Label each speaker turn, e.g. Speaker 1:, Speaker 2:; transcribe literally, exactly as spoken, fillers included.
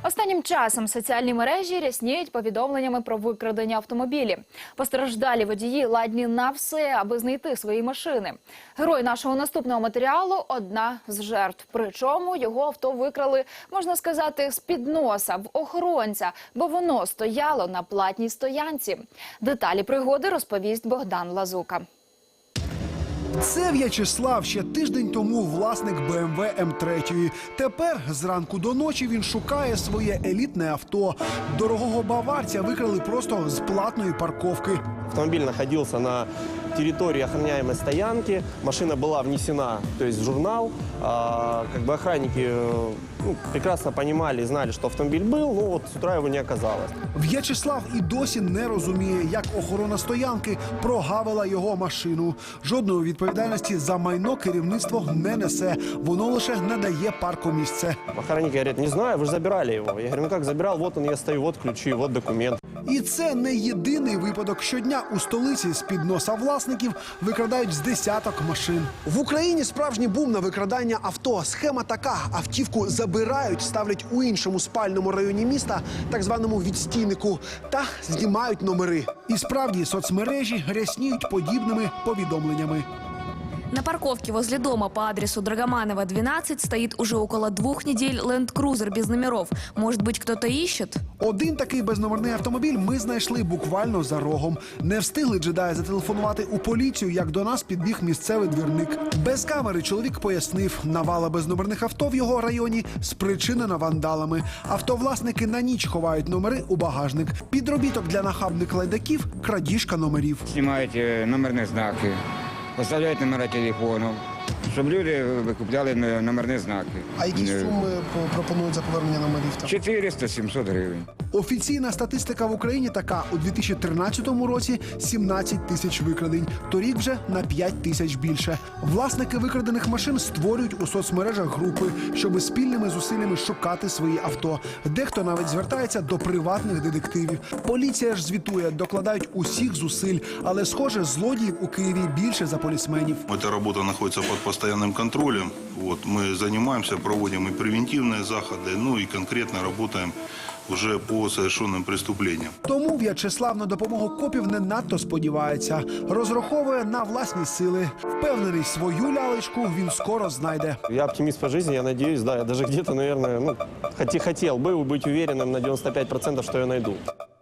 Speaker 1: Останнім часом соціальні мережі рясніють повідомленнями про викрадення автомобілі. Постраждалі водії ладні на все, аби знайти свої машини. Герой нашого наступного матеріалу – одна з жертв. Причому його авто викрали, можна сказати, з-під носа, в охоронця, бо воно стояло на платній стоянці. Деталі пригоди розповість Богдан Лазука.
Speaker 2: Це В'ячеслав, ще тиждень тому власник Бе Ем Ве Ем три. Тепер зранку до ночі він шукає своє елітне авто. Дорогого баварця викрали просто з платної парковки.
Speaker 3: Автомобиль находился на территории охраняемой стоянки, машина была внесена, то есть в журнал. А, как бы охранники ну, прекрасно понимали и знали, что автомобиль был, но вот с утра его не оказалось.
Speaker 2: В'ячеслав і досі не розуміє, як охорона стоянки прогавила його машину. Жодної відповідальності за майно керівництво не несе. Воно лише надає паркомісце.
Speaker 3: Охранники говорят, не знаю, вы же забирали его. Я говорю, ну как забирал, вот он, я стою, вот ключи, вот документ.
Speaker 2: І це не єдиний випадок. Щодня у столиці з-під носа власників викрадають з десяток машин. В Україні справжній бум на викрадання авто. Схема така. Автівку забирають, ставлять у іншому спальному районі міста, так званому відстійнику, та знімають номери. І справді соцмережі рясніють подібними повідомленнями.
Speaker 4: На парковке возле дома по адресу Драгоманова, двенадцать, стоит уже около двух недель Land Cruiser без номеров. Может быть, кто-то ищет?
Speaker 2: Один такий безномерний автомобіль ми знайшли буквально за рогом. Не встигли джедаї зателефонувати у поліцію, як до нас підбіг місцевий двірник. Без камери чоловік пояснив, навала безномерних авто в його районі спричинена вандалами. Автовласники на ніч ховають номери у багажник. Підробіток для нахабних лайдаків – крадіжка номерів.
Speaker 5: Знімають номерні знаки, поставляють номера телефону, щоб люди викупляли номерні знаки.
Speaker 2: А які суми пропонують за повернення номерів?
Speaker 5: чотириста - сімсот гривень.
Speaker 2: Офіційна статистика в Україні така. У дві тисячі тринадцятому році сімнадцять тисяч викрадень. Торік вже на п'ять тисяч більше. Власники викрадених машин створюють у соцмережах групи, щоб спільними зусиллями шукати свої авто. Дехто навіть звертається до приватних детективів. Поліція ж звітує, докладають усіх зусиль. Але, схоже, злодіїв у Києві більше за полісменів.
Speaker 6: Эта работа находится под постоянным контролем. Вот, мы занимаемся, проводим и превентивные заходы, ну и конкретно работаем уже по совершенным преступлениям.
Speaker 2: Тому В'ячеслав на допомогу копів не надто сподівається. Розраховує на власні сили. Впевнений, свою лялечку він скоро знайде.
Speaker 3: Я оптимист по жизни, я надеюсь, да, я даже где-то, наверное, ну, хотел бы быть уверенным на девяносто пять процентов, что я найду.